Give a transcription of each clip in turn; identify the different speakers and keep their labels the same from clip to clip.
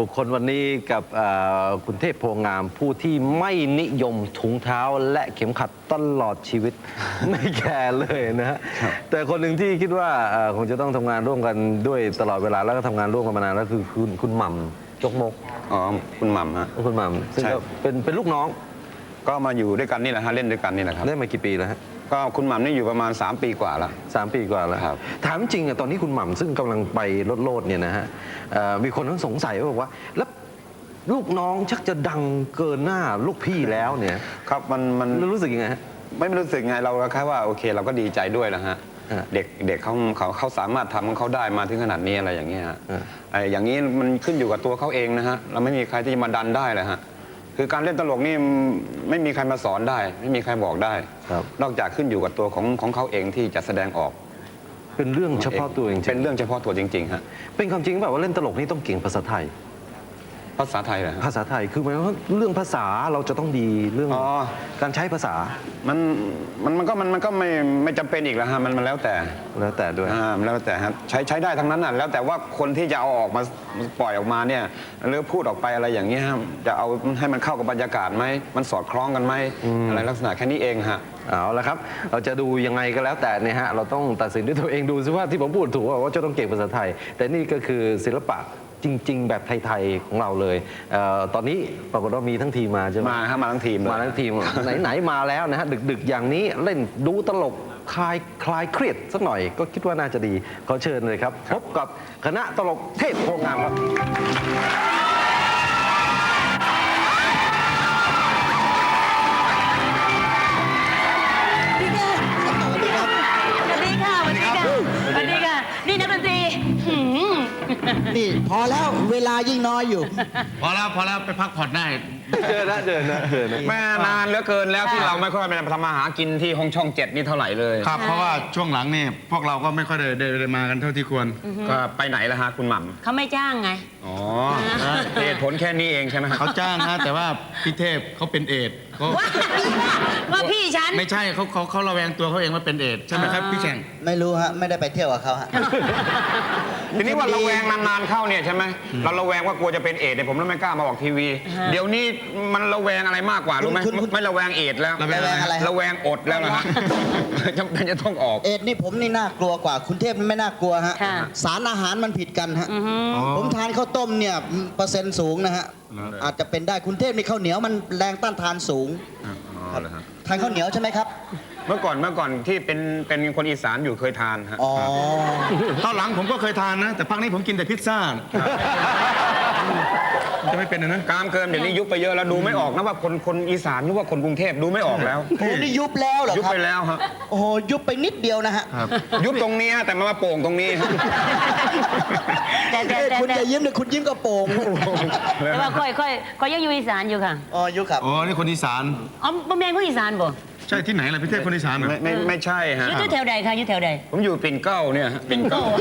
Speaker 1: บุคคลวันนี้กับคุณเทพโพงามผู้ที่ไม่นิยมถุงเท้าและเข็มขัดตลอดชีวิต ไม่แคร์เลยนะฮะแต่คนหนึ่งที่คิดว่าคงจะต้องทำงานร่วมกันด้วยตลอดเวลาแล้วก็ทำงานร่วมกันมานานแล้วคือคุณหม่ำจกมก
Speaker 2: อ๋อคุณหม่ำฮะ
Speaker 1: คุณหม่ำซึ่งก็เป็นลูกน้อง
Speaker 2: ก็มาอยู่ด้วยกันนี่แหละฮะเล่นด้วยกันนี่แหละครับ
Speaker 1: ได้มากี่ปีแล้วฮะ
Speaker 2: ก็คุณหม่ำนี่อยู่ประมาณ3 ปีกว่าแล้ว
Speaker 1: 3 ปีกว่าแล้ว
Speaker 2: ครับ
Speaker 1: ถามจริงอะตอนนี้คุณหม่ำซึ่งกำลังไปโลดเนี่ยนะฮะมีคนทั้งสงสัยว่าบอกว่าแล้วลูกน้องชักจะดังเกินหน้าลูกพี่แล้วเนี่ย
Speaker 2: ครับมัน
Speaker 1: รู้สึกยังไงฮะ
Speaker 2: ไม่รู้สึกไงเราแค่ว่าโอเคเราก็ดีใจด้วยนะฮะเด็กเขาสามารถทำของเขาได้มาถึงขนาดนี้อะไรอย่างเงี้ยฮะอย่างนี้มันขึ้นอยู่กับตัวเขาเองนะฮะเราไม่มีใครที่จะมาดันได้เลยฮะคือการเล่นตลกนี่ไม่มีใครมาสอนได้ไม่มีใครบอกได้นอกจากขึ้นอยู่กับตัวของเขาเองที่จะแสดงออก
Speaker 1: เป็นเรื่องเฉพาะตัวจริง
Speaker 2: เป็นเรื่องเฉพาะตัวจริงๆฮะ
Speaker 1: เป็นความจริงแบบว่าเล่นตลกนี่ต้องเก่งภาษาไทย
Speaker 2: ภาษาไทยเหรอ
Speaker 1: ภาษาไทยคือหมายว่าเรื่องภาษาเราจะต้องดีเรื่องการใช้ภาษา
Speaker 2: มันก็ไม่จำเป็นอีกแล้วฮะมันแล้วแต่
Speaker 1: ด้วย
Speaker 2: แล้วแต่ฮะใช้ได้ทั้งนั้นน่ะแล้วแต่ว่าคนที่จะเอาออกมาปล่อยออกมาเนี่ยหรือพูดออกไปอะไรอย่างเงี้ยจะเอาให้มันเข้ากับบรรยากาศไหมมันสอดคล้องกันไหมอะไรลักษณะแค่นี้เองฮะ
Speaker 1: เอาละครับเราจะดูยังไงก็แล้วแต่เนี่ยฮะเราต้องตัดสินด้วยตัวเองดูซิว่าที่ผมพูดถูกว่าจะต้องเก่งภาษาไทยแต่นี่ก็คือศิลปะจริงๆแบบไทยๆของเราเลยตอนนี้ปรากฏว่ามีทั้งทีมมาใช่ไหม
Speaker 2: มาทั้งทีม
Speaker 1: ไหนมาแล้วนะฮะดึกๆอย่างนี้เล่นดูตลกคลายเครียดสักหน่อยก็คิดว่าน่าจะดีขอเชิญเลยครับพบกับคณะตลกเทพโพงามครับ
Speaker 3: นี่นักดนตรี
Speaker 4: นี่พอแล้วเวลายิ่งน้อยอยู่
Speaker 5: พอแล้วไปพักผ่อนได้
Speaker 1: เจอนะ
Speaker 2: แม่นานเหลือเกินแล้วที่เราไม่ค่อยไปทำมาหากินที่ห้องช่อง7นี่เท่าไหร่เลย
Speaker 5: ครับเพราะว่าช่วงหลังนี่พวกเราก็ไม่ค่อยได้มากันเท่าที่ควร
Speaker 2: ก็ไปไหนล่ะฮะคุณหม่
Speaker 3: ำเขาไม่จ้างไง
Speaker 2: อ๋อเหตุผลแค่นี้เองใช่ไหม
Speaker 5: เขาจ้างนะแต่ว่าพี่เทพเขาเป็นเอด
Speaker 3: ว่าพี่ฉัน
Speaker 5: ไม่ใช่เขาระแวงตัวเขาเองว่าเป็นเอดใช่ไหมครับพี่แข่ง
Speaker 4: ไม่รู้ฮะไม่ได้ไปเที่ยวกับเขาฮะ
Speaker 2: ทีนี้ว่าระแวงนานๆเข้าเนี่ยใช่ไหมเราระแวงว่ากลัวจะเป็นเอดเนี่ยผมไม่กล้ามาออกทีวีเดี๋ยวนี้มันระแวงอะไรมากกว่ารู้ไหมไม่ระแวงเอดแล้ว
Speaker 4: ระแวงอะไร
Speaker 2: ระแวงอดแล้วนะจำเป็นจะต้องออก
Speaker 4: เอดนี่ผมนี่น่ากลัวกว่าคุณเทพไม่น่ากลัวฮะสารอาหารมันผิดกันฮะผมทานข้าวต้มเนี่ยเปอร์เซ็นต์สูงนะฮะอาจจะเป็นได้คุณเทพนี่ข้าวเหนียวมันแรงต้านทานสูงทานข้าวเหนียวใช่ไหมครับ
Speaker 2: เมื่อก่อนที่เป็นคนอีสานอยู่เคยทานฮะ
Speaker 5: ตอนหลังผมก็เคยทานนะแต่พักนี้ผมกินแต่พิซซ่าจะไม่เป็นนะ
Speaker 2: กามเกินเดี๋ยวนี้ยุบไปเยอะแล้วดูไม่ออกนะว่าคนอีสานหรือว่าคนกรุงเทพดูไม่ออกแล้ว
Speaker 4: โอ้นี่ยุบแล้วเหรอครับ
Speaker 2: ยุบไปแล้วฮะ
Speaker 4: โอ้โหยุบไปนิดเดียวนะฮะ
Speaker 2: ยุบตรงนี้แต่มาโป่งตรงนี้
Speaker 4: คุณจะยิ้มหรือคุณยิ้มกระโปรง
Speaker 3: แต่ว่าค่อยยังอยู่อีสานอยู่ค่ะ
Speaker 4: อ๋อยุบครับ
Speaker 5: อ๋อนี่คนอีสาน
Speaker 3: อ๋อบ่แม่นคนอีสานบ่
Speaker 5: ใช่ที่ไหนล่ะพี่เทพคนอีสาน
Speaker 2: ไม่ใช่ฮะ
Speaker 3: อยู่แถวใดคะอยู่แถวใด
Speaker 2: ผมอยู่ปิ่นเกล้าเนี่ยปิ่นเกล้า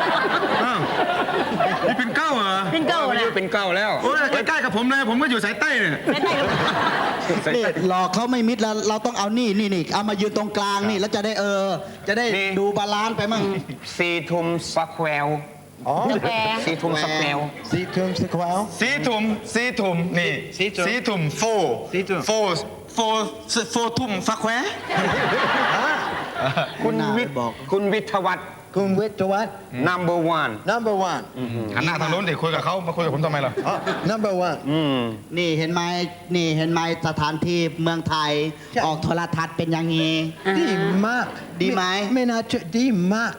Speaker 5: นี่ปิ่นเกล้าเหรอ
Speaker 3: ปิ่นเกล้า
Speaker 2: นะอยู่ปิ่นเกล้าแล้ว
Speaker 5: โอ้ยใกล้ๆกับผมเลยผมก็อยู่สายใต้เนี่ย
Speaker 4: นี่หลอกเขาไม่มิดแล้วเราต้องเอานี่เอามายืนตรงกลางนี่แล้วจะได้ดูบาลานซ์ไปมั่ง
Speaker 2: ซีทุมสแควร์ซีทุมสแควร์
Speaker 4: ซีทุมสแควร์
Speaker 5: ซีทุมนี่ซีทุมโฟทุ่มฟักแคว
Speaker 2: คุณวิทวัฒน์number one
Speaker 5: หันหน้าทางโน้นดิคุยกับเขามาคุยกับผมทำไมล่ะ
Speaker 4: number one นี่เห็นไหมสถานที่เมืองไทยออกโทรทัศน์เป็นอย่างนี้ดีมากดีไหมไม่น่าเชื่อดีมาก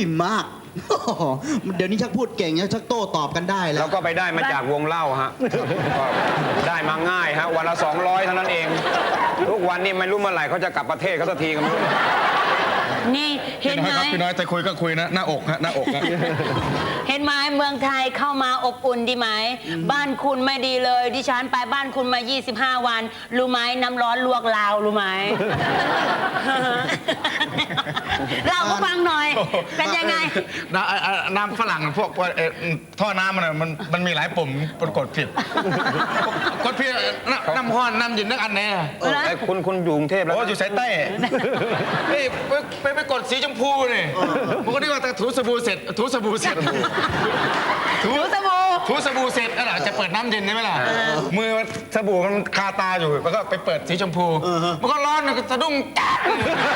Speaker 4: เดี๋ยวนี้ชักพูดเก่งชักโต้ตอบกันได้แล้ว
Speaker 2: เราก็ไปได้มาจากวงเล่าฮะได้มาง่ายฮะวันละ200เท่านั้นเองทุกวันนี้ไม่รู้เมื่อไหร่เขาจะกลับประเทศเขาสักทีกันไม่รู้
Speaker 3: นี่เห็นไหม
Speaker 5: พี่น้อยจะคุยก็คุยนะหน้าอกฮะหน้าอก
Speaker 3: เห็นไหมเมืองไทยเข้ามาอบอุ่นดีไหมบ้านคุณไม่ดีเลยดิฉันไปบ้านคุณมา25 วันรู้ไหมน้ำร้อนลวกลาวรู้ไหมเราก็ฟังหน่อยเป็นยังไง
Speaker 5: น้ำฝรั่งพวกท่อน้ำมันมีหลายปุ่มกดผิดน้ำห้อนน้ำเย็นนักอันแน่
Speaker 2: คุณอยู่กรุงเทพแล้ว
Speaker 5: อยู่สายใต้นี่ไปกดสีชมพูนี่ผมก็นึกว่าถูสบู่เสร็จถูสบู่ถูสบู่เสร็จแล้วจะเปิดน้ำเย็นใช่ไหมล่ะมือสบู่มันคาตาอยู่แล้วก็ไปเปิดสีชมพูมันก็ร้อนสะดุ้งจ๊าด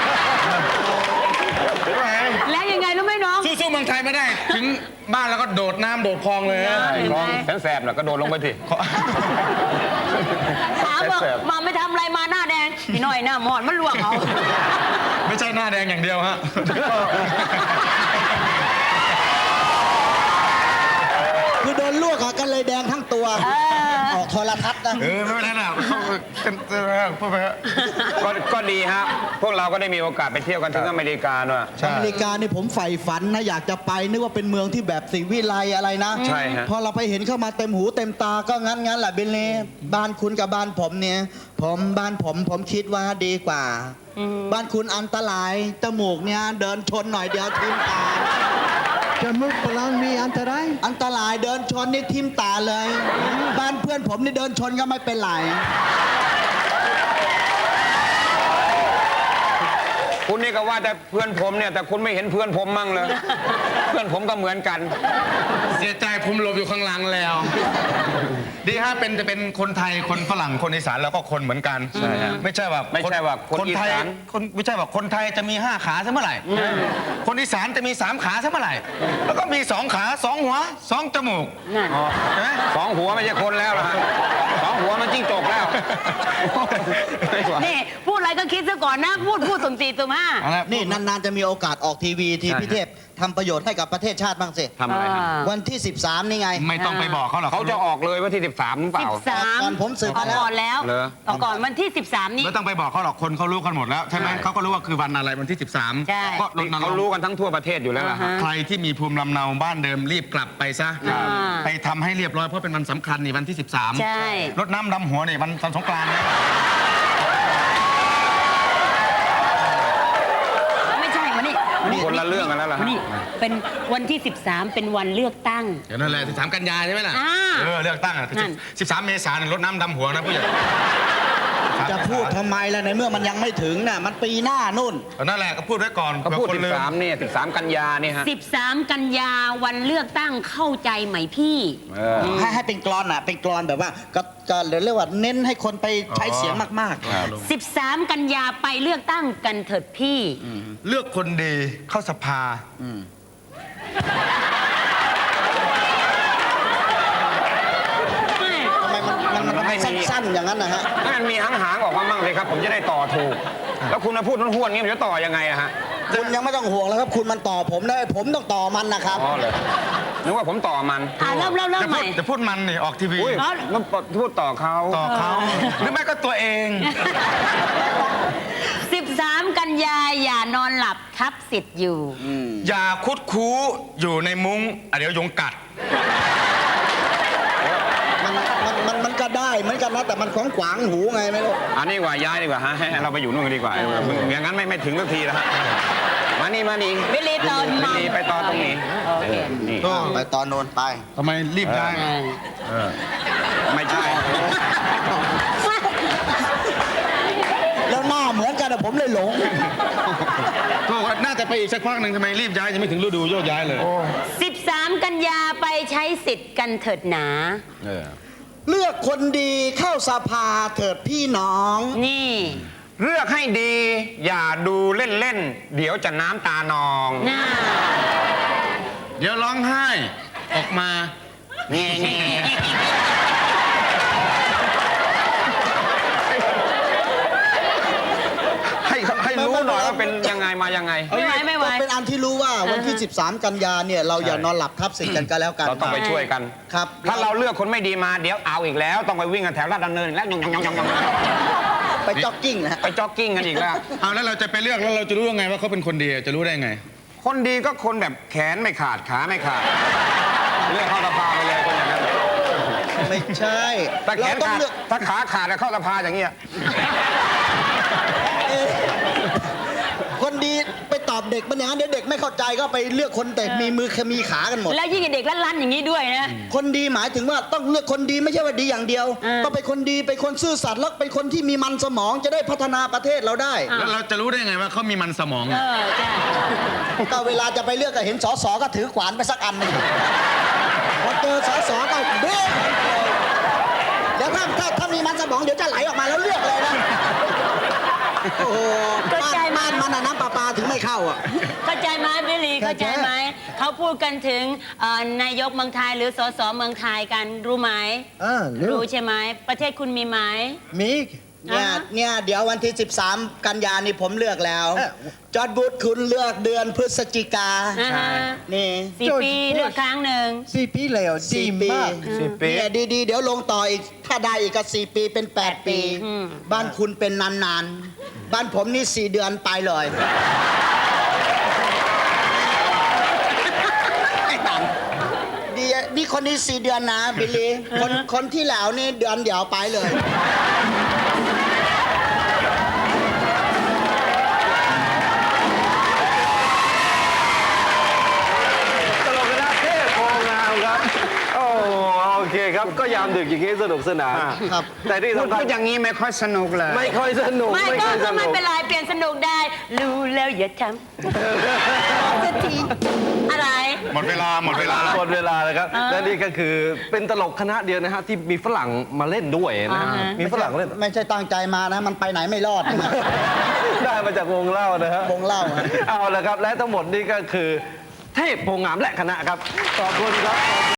Speaker 3: แล้วยังไงรู้ไหมน้อง
Speaker 5: สู้ๆเมืองไทยไม่ได้ ถึงบ้านแล้วก็โดดน้ำโดดคลองเลยนะ
Speaker 2: คลองแสบๆแล้วก็โดดลงไปที
Speaker 3: ถามว่ามาไม่ทำอะไรมาหน้าแดงพี่หน่อยหน้าหมอดมันลวกเอา
Speaker 5: ไม่ใช่หน้าแดงอย่างเดียวฮะ
Speaker 4: คือโดนลวกอะกันเลยแดงทั้งตัว ออกโทรทัศน์นะ
Speaker 5: ไม่เป็นไรนะเข้ากันพูดไปฮะ
Speaker 2: ก็ดีฮะพวกเราก็ได้มีโอกาสไปเที่ยวกันถึงอเมริกาด้วย
Speaker 4: อเมริกานี่ผมใฝ่ฝันนะอยากจะไปนึกว่าเป็นเมืองที่แบบสิวิไลอะไรนะ
Speaker 2: ใช่ฮะ
Speaker 4: พอเราไปเห็นเข้ามาเต็มหูเต็มตาก็งั้นแหละเบลเล่บ้านคุณกับบ้านผมเนี่ยบ้านผมคิดว่าดีกว่า บ้านคุณอันตรายจมูกเนี่ยเดินชนหน่อยเดียวทิ่มตา
Speaker 6: จมูกปลังมีอันตราย
Speaker 4: อันตรายเดินชนนี่ทิ่มตาเลย บ้านเพื่อนผมนี่เดินชนก็ไม่เป็นไร
Speaker 2: คุณนี่ก็ว่าแต่เพื่อนผมเนี่ยแต่คุณไม่เห็นเพื่อนผมมั่งเลย เพื่อนผมก็เหมือนกัน
Speaker 5: เสียใจผมหลบอยู่ข้างหลังแล้ว ดีฮะจะเป็นคนไทยคนฝรั่งคนอีสานแล้วก็คนเหมือนกัน
Speaker 2: ใช่ฮะ
Speaker 5: ไม่ใช่ว่า
Speaker 2: ไม่ใช่ว่าคนอี
Speaker 5: ไทย
Speaker 2: สาน
Speaker 5: ไม่ใช่ว่าคนไทยจะมี5ขาซะเมื่อไหร่ คนอีสานจะมี3ขาซะเมื่อไหร่ แล้วก็มี2ขา2หัว2จมูก
Speaker 3: นั่น
Speaker 5: ใช่ไหม
Speaker 2: สองหัวไม่ใช่คนแล้วล่ะฮะสองหัวมันจิ้งจกแล้ว
Speaker 3: นี่พูดอะไรก็คิดซะก่อนนะ พูดสุ่มสี่สุ่มห้า
Speaker 4: นี่นานๆจะมีโอกาสออกทีวีที่พี่เทพทำประโยชน์ให้กับประเทศชาติบ้างสิ
Speaker 2: ทำอะไรฮะ
Speaker 4: วันที่ 13 นี่ไง
Speaker 5: ไม่ต้องไปบอกเขาหรอก
Speaker 2: เขาจะออกเลยวันที่ 13หรือเปล่า
Speaker 3: 13
Speaker 4: ก่อนผมสืบมาแล้ว
Speaker 3: ก่อนแล้ว
Speaker 2: เหรอ
Speaker 3: ก่อนวันที่ 13 นี้
Speaker 5: ไม่ต้องไปบอกเขาหรอกคนเขารู้กันหมดแล้วใช่ไหมเขาก็รู้ว่าคือวันอะไรวันที่ 13
Speaker 3: ใช่
Speaker 5: ก็รณรงค์
Speaker 2: เขารู้กันทั้งทั่วประเทศอยู่แล้วล่ะฮะ
Speaker 5: ใครที่มีภูมิลำเนาบ้านเดิมรีบกลับไปซะ
Speaker 3: ครับ
Speaker 5: ไปทำให้เรียบร้อยเพราะเป็นวันสำคัญนี่วันที่ 13
Speaker 3: ใช่
Speaker 5: รดน้ำดำหัวนี่วันสงกรานต์นะ
Speaker 3: ไม่ใช่มานี่
Speaker 2: คนละเรื่องกันแล้วล่ะฮะ
Speaker 3: มานี่เป็นวันที่ 13 เป็นวันเลือกตั้ง
Speaker 5: เดี๋ยวนั่นแหละ13 กันยาใช่ไหมล่ะ
Speaker 3: อ่า
Speaker 5: เลือกตั้งอ่ะ
Speaker 3: นั่น
Speaker 5: 13 เมษายนรดน้ำดำหัวนะผู้ใหญ่
Speaker 4: จะพูดทำไมล่ะในเมื่อมันยังไม่ถึงน่ะมันปีหน้านู่น
Speaker 5: นั่นแหละก็พูดไว้ก่อน
Speaker 2: เขาพูด
Speaker 5: ผื่อคนลืม
Speaker 2: 13เนี่ย13 กันยาเนี่ยฮะ
Speaker 3: 13 กันยาวันเลือกตั้งเข้าใจไหมพี่
Speaker 4: ให้เป็นกลอนอ่ะเป็นกลอนแบบว่าก็เรียกว่าเน้นให้คนไปใช้เสียงมาก
Speaker 3: 13 กันยาไปเลือกตั้งกันเถิดพี่
Speaker 5: เลือกคนดีเข้าสภา
Speaker 4: ๆทำไมมันสั้นๆอย่างนั้นนะฮะ
Speaker 2: ให้มันมีหางๆออกมามั่งเลยครับ ผมจะได้ต่อถูก แล้วคุณมาพูดห้วนๆงี้มันจะต่อยังไงอะฮะ
Speaker 4: คุณยังไม่ต้องห่วงแล้วครับคุณมันต่อผมได้ผมต้องต่อมันนะครับ
Speaker 2: อ๋อเลยนึกว่าผมต่อมัน
Speaker 3: เริ่มใหม่
Speaker 5: จะพูดมันนี่ออกทีวี
Speaker 2: อุ้ยแล้วพูดต่อเขา
Speaker 5: ต่อเขาหรือไม่ก็ตัวเอง
Speaker 3: 13 กันยาอย่านอนหลับทับสิทธิ์อยู่
Speaker 5: อย่าคุดคู้อยู่ในมุ้งเดี๋ยวยุงกัด
Speaker 4: มันก็ได้เหมือนกันนะแต่มันของขวางหูไงไม่รู้
Speaker 2: อันนี้ดีกว่าย้ายดีกว่าฮะให้เราไปอยู่นู่นกันดีกว่าอย่างนั้นไม่ถึงสักทีแล้วฮะมานี่
Speaker 3: ไม่รีบต่อ
Speaker 2: ไม่รีบไปต่อตรงนี้
Speaker 3: โอเค
Speaker 2: นี่
Speaker 4: ไปตอนโน้นไป
Speaker 5: ทำไมรีบได้
Speaker 2: ไม่ใช่
Speaker 4: แล้วหน้าเหมือนกันอะผมเลยหลง
Speaker 5: ก็ว่าน่าจะไปอีกสักพักหนึ่งทำไมรีบย้ายยังไม่ถึงฤดูโยกย้ายเลย
Speaker 3: 13 กันยาไปใช้สิทธิ์กันเถิดหนา
Speaker 4: เลือกคนดีเข้าสภาเถิดพี่น้อง
Speaker 3: นี่
Speaker 2: เลือกให้ดี อย่าดูเล่นๆเดี๋ยวจะน้ำตานอง
Speaker 3: น่า
Speaker 5: เดี๋ยวร้องไห้ออกมา
Speaker 2: แง่ให้รู้หน่อยว่าเป็นยังไงมายังไง
Speaker 3: ไม่ไหว
Speaker 4: ก็เป็นอันที่รู้ว่าวันที่ 13 กันยาเนี่ยเราอย่านอนหลับทับสิทธิ์กันก็แล้วกัน
Speaker 2: เราต้องไปช่วยกัน
Speaker 4: ครับ
Speaker 2: ถ้าเราเลือกคนไม่ดีมาเดี๋ยวเอาอีกแล้ว ต้องไปวิ่งกันแถวลาดดำเนินอีกแล้วยอง
Speaker 4: ไปจ็อกกิ้งนะฮะ
Speaker 2: ไปจ็อกกิ้งกันอีกแล้ว
Speaker 5: เอาแล้วเราจะไปเลือกแล้วเราจะรู้ยังไงว่าเขาเป็นคนดีจะรู้ได้ไง
Speaker 2: คนดีก็คนแบบแขนไม่ขาดขาไม่ขาด เลือกเข้าสภาไปเลยคนอย่างนั้น
Speaker 4: ไม่ใช่
Speaker 2: ถ้าแข
Speaker 4: เรา
Speaker 2: น
Speaker 4: ต้อง
Speaker 2: ขาด
Speaker 4: เลือก
Speaker 2: ถ้าขาขาดแล้วเข้าสภาอย่างเงี้ย
Speaker 4: คนดีไปตอบเด็กมันอย่างนั้นเดี๋ยวเด็กไม่เข้าใจก็ไปเลือกคนแต่มีมือมีขากันหมด
Speaker 3: แล้วยิ่งเด็กลั่นๆอย่างนี้ด้วยนะ
Speaker 4: คนดีหมายถึงว่าต้องเลือกคนดีไม่ใช่ว่าดีอย่างเดียว ก็เป็นคนดีเป็นคนซื่อสัตย์แล้วเป็นคนที่มีมันสมองจะได้พัฒนาประเทศเราได้
Speaker 5: แล้วเราจะรู้ได้ไงว่าเขามีมันสมอง
Speaker 3: ใช่
Speaker 4: ก็เวลาจะไปเลือกก็เห็นสสก็ถือขวานไปสักอันหนึงพอเจอสสก็เบ้เดี๋ยวถ้ามีมันสมองเดี๋ยวจะไหลออกมาแล้วเลือกเลยนะโอ้โหบ้านมันน้ำประปาถึงไม่เข้าอ่ะ
Speaker 3: เข้าใจไหมบิลลี่เข้าใจไหมเขาพูดกันถึงนายกเมืองไทยหรือสสเมืองไทยกันรู้ไหม
Speaker 6: รู้
Speaker 3: รู้ใช่ไหมประเทศคุณมีไหม
Speaker 6: มี
Speaker 4: เนี่ยเดี๋ยววันที่ 13 กันยานี่ผมเลือกแล้ว
Speaker 6: เอ๊ะ
Speaker 4: จอร์จบูธคุณเลือกเดือนพฤศจิกา
Speaker 3: อ่าฮะ
Speaker 4: นี่
Speaker 3: 4 ปีเลือกครั้งหนึ่ง
Speaker 6: 4 ปีแล้วดี
Speaker 4: 4 ปี
Speaker 6: มาก
Speaker 4: เนี่ยดีๆ เดี๋ยวลงต่ออีก ถ้าได้อีกก็4 ปีเป็น 8 ปี บ้านคุณเป็นนานๆ บ้านผมนี่ 4 เดือนไปเลยไม่ต่างดีนี่คนนี้ 4 เดือนนะบิลลี่คนที่แล้วนี่เดือนเดียวไปเลย
Speaker 1: ตลกคณะเทพโพงามครับ โอ้โอเคครับ ก็ยามดึกอย่างนี้สนุกสนาน
Speaker 4: ครับ
Speaker 1: แต่ที่
Speaker 5: พูด
Speaker 1: สำคัญ
Speaker 5: อย่างนี้ไม่ค่อยสนุกเลย
Speaker 1: ไม่ค่อยสนุก
Speaker 3: ไม่
Speaker 1: ไม่
Speaker 3: ก็
Speaker 1: ค่อยส
Speaker 3: ไม่
Speaker 1: นุก
Speaker 3: เป็นไรเปลี่ยนสนุกได้ รู้แล้วอย่าทำสักทีอะไร
Speaker 5: หมดเวลา
Speaker 1: หมดเวลาแล้วครับ และนี่ก็คือเป็นตลกคณะเดียวนะฮะที่มีฝรั่งมาเล่นด้วยนะฮะ
Speaker 3: อ่าฮะ
Speaker 1: มีฝรั่งเล่น
Speaker 4: ไม่ใช่ตั้งใจมานะ มันไปไหนไม่รอด
Speaker 1: ได้มาจากวงเล่านะฮะ
Speaker 4: วงเล่าฮะ
Speaker 1: เอาละครับ และทั้งหมดนี่ก็คือเทพโพงามและคณะครับ ขอบคุณครับ